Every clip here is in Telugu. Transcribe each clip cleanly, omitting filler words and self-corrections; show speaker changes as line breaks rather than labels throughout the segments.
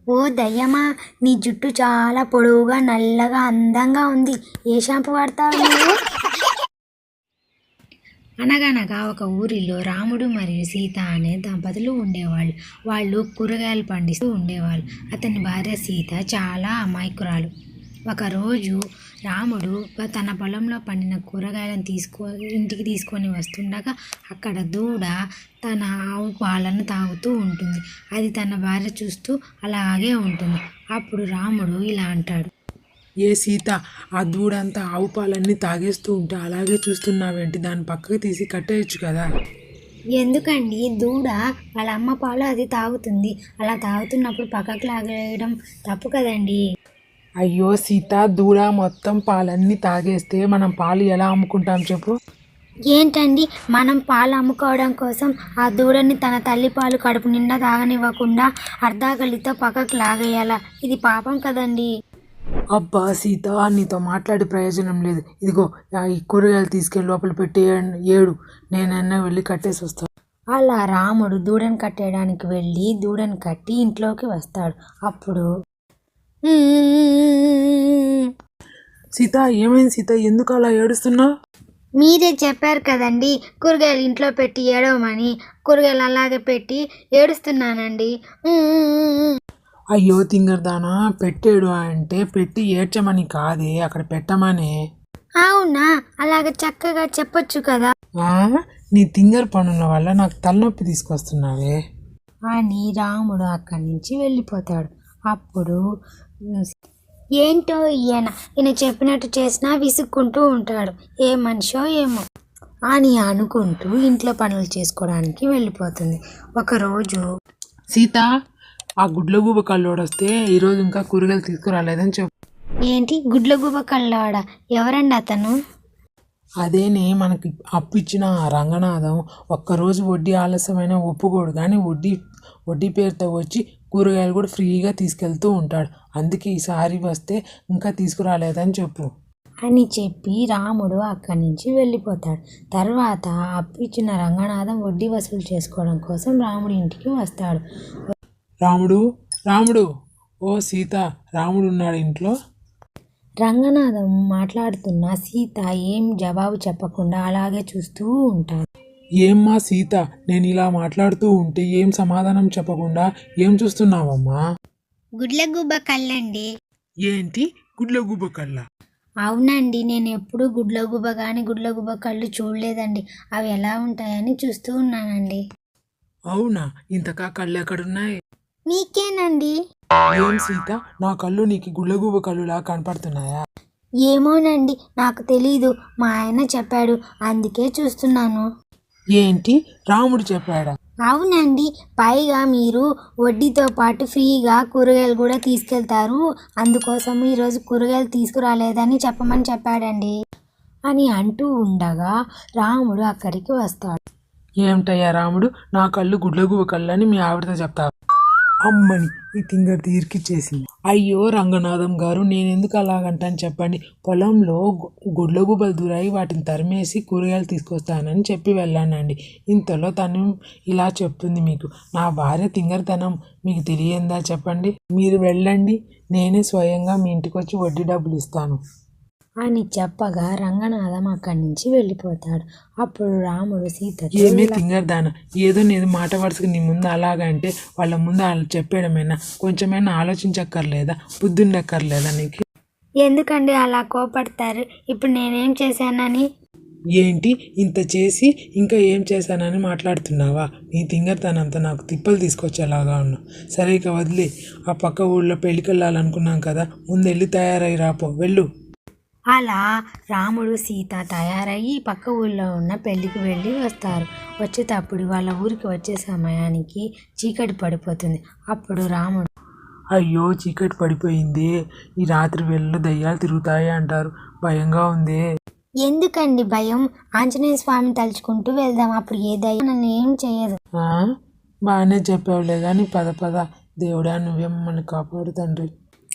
ఓ దయ్యమా, నీ జుట్టు చాలా పొడవుగా నల్లగా అందంగా ఉంది. ఏ షాంపూ వాడతావు నువ్వు? అనగనగా ఒక ఊరిలో రాముడు మరియు సీత అనే దంపతులు ఉండేవాళ్ళు. వాళ్ళు కూరగాయలు పండిస్తూ ఉండేవాళ్ళు. అతని భార్య సీత చాలా అమాయకురాలు. ఒకరోజు రాముడు తన పొలంలో పండిన కూరగాయలను ఇంటికి తీసుకొని వస్తుండగా అక్కడ దూడ తన ఆవు పాలను తాగుతూ ఉంటుంది. అది తన భార్య చూస్తూ అలాగే ఉంటుంది. అప్పుడు రాముడు ఇలా అంటాడు.
ఏ సీత, ఆ దూడంతా ఆవు పాలన్నీ తాగేస్తూ ఉంటే అలాగే చూస్తున్నావేంటి? దాన్ని పక్కకు తీసి కట్టేయచ్చు కదా.
ఎందుకండి, దూడ వాళ్ళ అమ్మ పాలు అది తాగుతుంది. అలా తాగుతున్నప్పుడు పక్కకు లాగేయడం తప్పు కదండి.
అయ్యో సీత, దూడ మొత్తం పాలన్నీ తాగేస్తే మనం పాలు ఎలా అమ్ముకుంటాం చెప్పు?
ఏంటండి, మనం పాలు అమ్ముకోవడం కోసం ఆ దూడని తన తల్లి పాలు కడుపు నిండా తాగనివ్వకుండా అర్ధాకలితో పక్కకు లాగేయాలా? ఇది పాపం కదండి.
అబ్బా సీత, నీతో మాట్లాడే ప్రయోజనం లేదు. ఇదిగో ఈ కూరగాయలు తీసుకెళ్ళి లోపల పెట్టి ఏడు, నేనన్నా వెళ్ళి కట్టేసి వస్తాను.
అలా రాముడు దూడను కట్టేయడానికి వెళ్ళి దూడను కట్టి ఇంట్లోకి వస్తాడు. అప్పుడు
సీత, ఏమైంది సీత? ఎందుకు అలా ఏడుస్తున్నావు?
మీరే చెప్పారు కదండి కూరగాయలు ఇంట్లో పెట్టి ఏడవమని. కూరగాయలు అలాగే పెట్టి ఏడుస్తున్నానండి.
అయ్యో తింగరదానా, పెట్టేడు అంటే పెట్టి ఏడ్చమని కాదే, అక్కడ పెట్టమనే.
అవునా? అలాగ చక్కగా చెప్పొచ్చు కదా
నీ తింగర్ పనుల వల్ల నాకు తలనొప్పి తీసుకొస్తున్నావే
అని రాముడు అక్కడి నుంచి వెళ్ళిపోతాడు. అప్పుడు ఏంటో ఈయన చెప్పినట్టు చేసినా విసుక్కుంటూ ఉంటాడు. ఏ మనిషో ఏమో అని అనుకుంటూ ఇంట్లో పనులు చేసుకోవడానికి వెళ్ళిపోతుంది. ఒకరోజు
సీత, ఆ గుడ్లగూబ కల్లోడు వస్తే ఈరోజు ఇంకా కూరగాయలు తీసుకురాలేదని చెప్పు.
ఏంటి గుడ్లగూబ కల్లాడా? ఎవరండి అతను?
అదేనే, మనకి అప్పు ఇచ్చిన ఆ రంగనాథం. ఒక్కరోజు వడ్డీ ఆలస్యమైన ఒప్పుకోడు, కానీ వడ్డీ పేరుతో వచ్చి కూరగాయలు కూడా ఫ్రీగా తీసుకెళ్తూ ఉంటాడు. అందుకే ఈసారి వస్తే ఇంకా తీసుకురాలేదని చెప్పు
అని చెప్పి రాముడు అక్కడి నుంచి వెళ్ళిపోతాడు. తర్వాత అప్పు ఇచ్చిన రంగనాథం వడ్డీ వసూలు చేసుకోవడం కోసం రాముడి ఇంటికి వస్తాడు.
రాముడు, ఓ సీత, రాముడు ఉన్నాడు ఇంట్లో?
రంగనాథం మాట్లాడుతున్న సీత ఏం జవాబు చెప్పకుండా అలాగే చూస్తూ ఉంటాడు.
ఏమ్మా సీత, నేను ఇలా మాట్లాడుతూ ఉంటే ఏం సమాధానం చెప్పకుండా ఏం చూస్తున్నావమ్మా?
గుడ్లగూబ కళ్ళండి.
ఏంటి గుడ్లగూబ కళ్ళ?
అవునండి, నేను ఎప్పుడు గుడ్లగూబ కానీ గుడ్లగూబ కళ్ళు చూడలేదండి. అవి ఎలా ఉంటాయని చూస్తూ ఉన్నానండి.
అవునా? ఇంతకా కళ్ళు ఎక్కడున్నాయి?
మీకేనండి.
ఏం సీత, నా కళ్ళు నీకు గుడ్లగూబ కళ్ళులా కనపడుతున్నాయా?
ఏమోనండి, నాకు తెలీదు. మా ఆయన చెప్పాడు, అందుకే చూస్తున్నాను.
ఏంటి, రాముడు చెప్పాడా?
అవునండి, పైగా మీరు వడ్డీతో పాటు ఫ్రీగా కూరగాయలు కూడా తీసుకెళ్తారు, అందుకోసం ఈరోజు కూరగాయలు తీసుకురాలేదని చెప్పమని చెప్పాడండి అని అంటూ ఉండగా రాముడు అక్కడికి వస్తాడు.
ఏమిటయ్యా రాముడు, నా కళ్ళు గుడ్లగూబ కళ్ళు అని మీ ఆవిడతో చెప్తావు? అమ్మని ఈ తింగర్ ఇరికిచ్చేసింది. అయ్యో రంగనాథం గారు, నేను ఎందుకు అలాగంటాను చెప్పండి. పొలంలో గుడ్లగూబలు దూరాయి, వాటిని తరిమేసి కూరగాయలు తీసుకొస్తానని చెప్పి వెళ్ళానండి. ఇంతలో తను ఇలా చెప్తుంది మీకు. నా భార్య తింగర్తనం మీకు తెలియందా చెప్పండి? మీరు వెళ్ళండి, నేనే స్వయంగా మీ ఇంటికి వచ్చి వడ్డీ డబ్బులు ఇస్తాను
అని చెప్పగా రంగనాథం అక్కడి నుంచి వెళ్ళిపోతాడు. అప్పుడు రాముడు సీత
ఏమే తింగర్దాన, ఏదో నేను మాట వరుసగా నీ ముందు అలాగంటే వాళ్ళ ముందు వాళ్ళు చెప్పేయడమేనా? కొంచెమైనా ఆలోచించక్కర్లేదా? బుద్ధుండక్కర్లేదా నీకు?
ఎందుకండి అలా కోపడతారు? ఇప్పుడు నేనేం చేశానని?
ఏంటి, ఇంత చేసి ఇంకా ఏం చేశానని మాట్లాడుతున్నావా? నీ తింగర్తనంతా నాకు తిప్పలు తీసుకొచ్చేలాగా ఉన్నావు. సరే ఇక వదిలే. ఆ పక్క ఊళ్ళో పెళ్ళికి వెళ్ళాలనుకున్నాం కదా, ముందు వెళ్ళి తయారై రాపో, వెళ్ళు.
అలా రాముడు సీత తయారయ్యి పక్క ఊళ్ళో ఉన్న పెళ్ళికి వెళ్ళి వస్తారు. వచ్చేటప్పుడు వాళ్ళ ఊరికి వచ్చే సమయానికి చీకటి పడిపోతుంది. అప్పుడు రాముడు,
అయ్యో చీకటి పడిపోయింది, ఈ రాత్రి వేళలో దయ్యాలు తిరుగుతాయి అంటారు, భయంగా ఉంది.
ఎందుకండి భయం? ఆంజనేయ స్వామిని తలుచుకుంటూ వెళ్దాం, అప్పుడు ఏ దయ్యం నన్ను ఏం చేయదు.
బాగానే చెప్పావులే కానీ పద దేవుడా, నువ్వే మమ్మల్ని కాపాడు తండ్రి.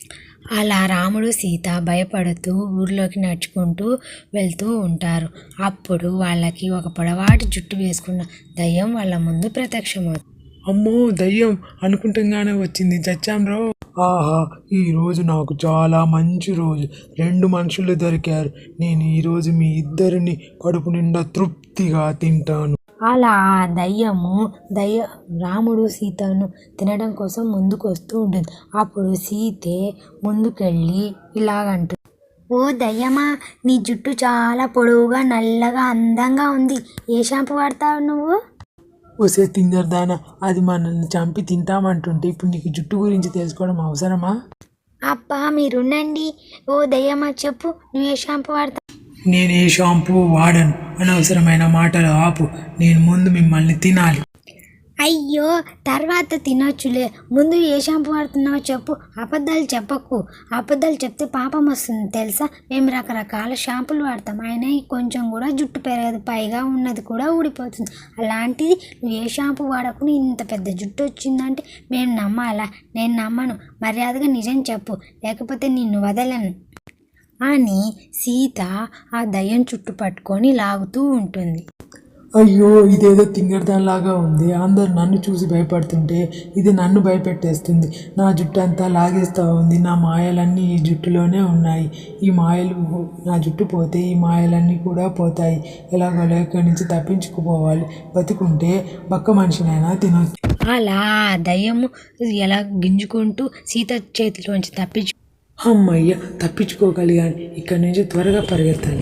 అలా రాముడు సీత భయపడుతూ ఊర్లోకి నడుచుకుంటూ వెళ్తూ ఉంటారు. అప్పుడు వాళ్ళకి ఒక పొడవాటి జుట్టు వేసుకున్న దయ్యం వాళ్ళ ముందు ప్రత్యక్షమవుతుంది.
అమ్మో దయ్యం అనుకుంటంగానే వచ్చింది, చచ్చాం రో. ఆహా, ఈరోజు నాకు చాలా మంచి రోజు. 2 మనుషులు దొరికారు. నేను ఈరోజు మీ ఇద్దరిని కడుపు నిండా తృప్తిగా తింటాను.
అలా ఆ దయ్య రాముడు సీతను తినడం కోసం ముందుకు వస్తూ ఉంటుంది. అప్పుడు సీతే ముందుకెళ్ళి ఇలాగంటుంది, ఓ దయ్యమా, నీ జుట్టు చాలా పొడవుగా నల్లగా అందంగా ఉంది. ఏ షాంపూ వాడతావు నువ్వు?
ఒసే తింగర్దానా, అది మనల్ని చంపి తింటామంటుంటే ఇప్పుడు నీకు జుట్టు గురించి తెలుసుకోవడం అవసరమా?
అబ్బా మీరుండండి. ఓ దయ్యమా చెప్పు, నువ్వు ఏ షాంపూ వాడతావు?
నేను ఏ షాంపూ వాడను. అనవసరమైన మాటలు ఆపు. నేను ముందు మిమ్మల్ని తినాలి.
అయ్యో తర్వాత తినొచ్చులే, ముందు ఏ షాంపూ వాడుతున్నావో చెప్పు. అబద్ధాలు చెప్పకు, అబద్ధాలు చెప్తే పాపం వస్తుంది తెలుసా. మేము రకరకాల షాంపూలు వాడతాం, అయినా కొంచెం కూడా జుట్టు పెరగదు, పైగా ఉన్నది కూడా ఊడిపోతుంది. అలాంటిది నువ్వు ఏ షాంపూ వాడకుండా ఇంత పెద్ద జుట్టు వచ్చిందంటే మేము నమ్మాలా? నేను నమ్మను. మర్యాదగా నిజం చెప్పు, లేకపోతే నిన్ను వదలను అని సీత ఆ దయ్యం చుట్టు పట్టుకొని లాగుతూ ఉంటుంది.
అయ్యో, ఇదేదో తింగర్దాన్లాగా ఉంది. అందరు నన్ను చూసి భయపడుతుంటే ఇది నన్ను భయపెట్టేస్తుంది. నా జుట్టు అంతా లాగేస్తూ ఉంది. నా మాయలన్నీ ఈ జుట్టులోనే ఉన్నాయి. ఈ మాయలు నా జుట్టు పోతే ఈ మాయలన్నీ కూడా పోతాయి. ఎలాగోలా ఇక్కడి నుంచి తప్పించుకుపోవాలి. బతుకుంటే బక్క మనిషినైనా తినొచ్చు.
అలా ఆ దయ్యము ఎలా గింజుకుంటూ సీత చేతిలోంచి
అమ్మయ్య, తప్పించుకోగలిగాను. ఇక్కడి నుంచి త్వరగా పరిగెత్తాలి.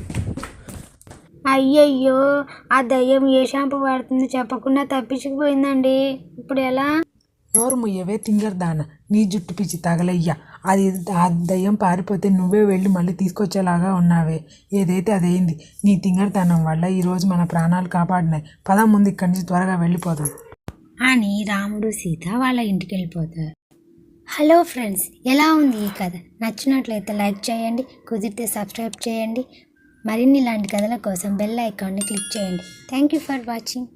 అయ్యయ్యో, ఆ దయ్యం ఏ షాంపూ వాడుతుందో చెప్పకుండా తప్పించుకుపోయిందండి. ఇప్పుడు ఎలా?
నోరు ముయ్యవే తింగర్దాన, నీ జుట్టు పిచ్చి తగలయ్యా. అది ఆ దయ్యం పారిపోతే నువ్వే వెళ్ళి మళ్ళీ తీసుకొచ్చేలాగా ఉన్నావే. ఏదైతే అదైంది. నీ తింగర్తనం వల్ల ఈరోజు మన ప్రాణాలు కాపాడినాయి. పద ముందు ఇక్కడి నుంచి త్వరగా వెళ్ళిపోదాం
అని రాముడు సీత వాళ్ళ ఇంటికి వెళ్ళిపోతారు. హలో ఫ్రెండ్స్, ఎలా ఉంది ఈ కథ? నచ్చినట్లయితే లైక్ చేయండి, కుదిరితే సబ్స్క్రైబ్ చేయండి. మరిన్ని ఇలాంటి కథల కోసం బెల్ ఐకాన్ని క్లిక్ చేయండి. Thank you for watching.